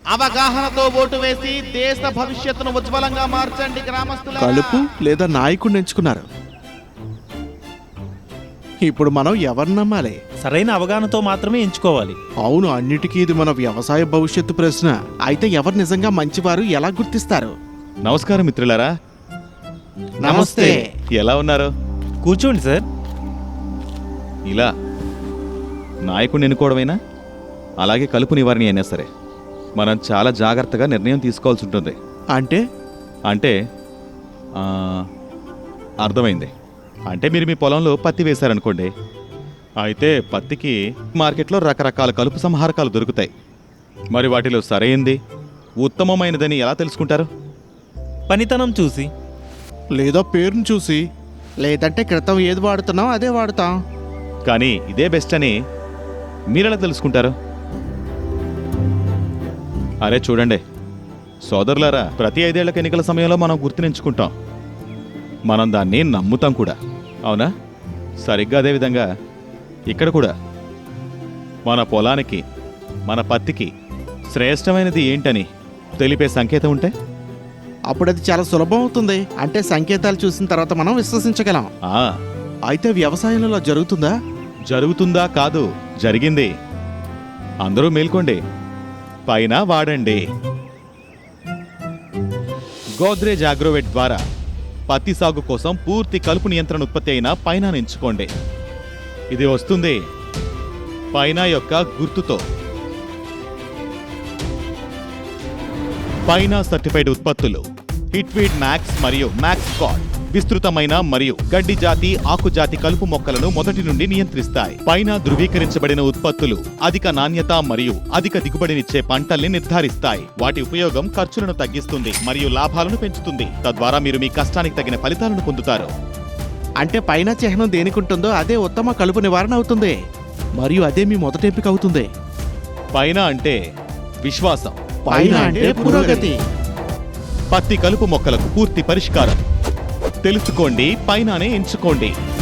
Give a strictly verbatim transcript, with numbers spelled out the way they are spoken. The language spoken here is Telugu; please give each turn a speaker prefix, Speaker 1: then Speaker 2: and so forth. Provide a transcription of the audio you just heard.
Speaker 1: అవగాహనతో ఓటు వేసి దేశ భవిష్యత్తును ఉజ్వలంగా మార్చండి గ్రామస్తులారా.
Speaker 2: కలుపు లేదా నాయకుడిని ఎంచుకున్నారు. ఇప్పుడు మనం ఎవరిని నమ్మాలి?
Speaker 3: సరైన అవగాహనతో మాత్రమే ఎంచుకోవాలి.
Speaker 2: అవును, అన్నిటికీ ఇది మన వ్యవసాయ భవిష్యత్తు ప్రశ్న. అయితే ఎవరు నిజంగా మంచివారు ఎలా గుర్తిస్తారు?
Speaker 4: నమస్కారం మిత్రులారా.
Speaker 2: నమస్తే.
Speaker 4: ఎలా ఉన్నారు?
Speaker 3: కూర్చోండి సార్.
Speaker 4: ఇలా నాయకుడిని ఎన్నుకోవడమైనా అలాగే కలుపు నివారణ అయినా సరే మనం చాలా జాగ్రత్తగా నిర్ణయం తీసుకోవాల్సి ఉంటుంది.
Speaker 2: అంటే
Speaker 4: అంటే ఆ, అర్థమైంది. అంటే మీరు మీ పొలంలో పత్తి వేశారనుకోండి. అయితే పత్తికి మార్కెట్లో రకరకాల కలుపు సంహారకాలు దొరుకుతాయి. మరి వాటిలో సరైంది ఉత్తమమైనదని ఎలా తెలుసుకుంటారు?
Speaker 3: పనితనం చూసి,
Speaker 2: లేదా పేరును చూసి, లేదంటే క్రితం ఏది వాడుతున్నాం అదే వాడతాం.
Speaker 4: కానీ ఇదే బెస్ట్ అని మీరెలా తెలుసుకుంటారు? అరే చూడండి సోదరులారా, ప్రతి ఐదేళ్లకు ఎన్నికల సమయంలో మనం గుర్తునించుకుంటాం. మనం దాన్ని నమ్ముతాం కూడా, అవునా? సరిగ్గా అదేవిధంగా ఇక్కడ కూడా మన పొలానికి, మన పత్తికి శ్రేష్టమైనది ఏంటని తెలిపే సంకేతం ఉంటే
Speaker 2: అప్పుడు అది చాలా సులభం అవుతుంది. అంటే సంకేతాలు చూసిన తర్వాత మనం విశ్వసించగలం.
Speaker 4: ఆ
Speaker 2: అయితే వ్యవసాయంలో జరుగుతుందా?
Speaker 4: జరుగుతుందా కాదు, జరిగింది. అందరూ మేల్కోండి, పైన వాడండి. గోద్రేజ్ అగ్రోవెట్ ద్వారా పత్తి సాగు కోసం పూర్తి కలుపు నియంత్రణ ఉత్పత్తి అయిన పైన ఎంచుకోండి. ఇది వస్తుంది పైన యొక్క గుర్తుతో. పైన సర్టిఫైడ్ ఉత్పత్తులు హిట్వీడ్ మ్యాక్స్ మరియు మ్యాక్స్ గాడ్ విస్తృతమైన మరియు గడ్డి జాతి, ఆకు జాతి కలుపు మొక్కలను మొదటి నుండి నియంత్రిస్తాయి. పైన ధృవీకరించబడిన ఉత్పత్తులు అధిక నాణ్యత మరియు అధిక దిగుబడినిచ్చే పంటల్ని నిర్ధారిస్తాయి. వాటి ఉపయోగం ఖర్చులను తగ్గిస్తుంది మరియు లాభాలను పెంచుతుంది. తద్వారా మీరు మీ కష్టానికి తగిన ఫలితాలను పొందుతారు.
Speaker 2: అంటే పైన చిహ్నం దేనికుంటుందో అదే ఉత్తమ కలుపు నివారణ అవుతుంది మరియు అదే మీ మొదటి ఎంపిక అవుతుంది.
Speaker 4: పైన అంటే విశ్వాసం,
Speaker 2: పైన అంటే పురోగతి.
Speaker 4: పత్తి కలుపు మొక్కలకు పూర్తి పరిష్కారం తెలుసుకోండి, పైననే ఎంచుకోండి.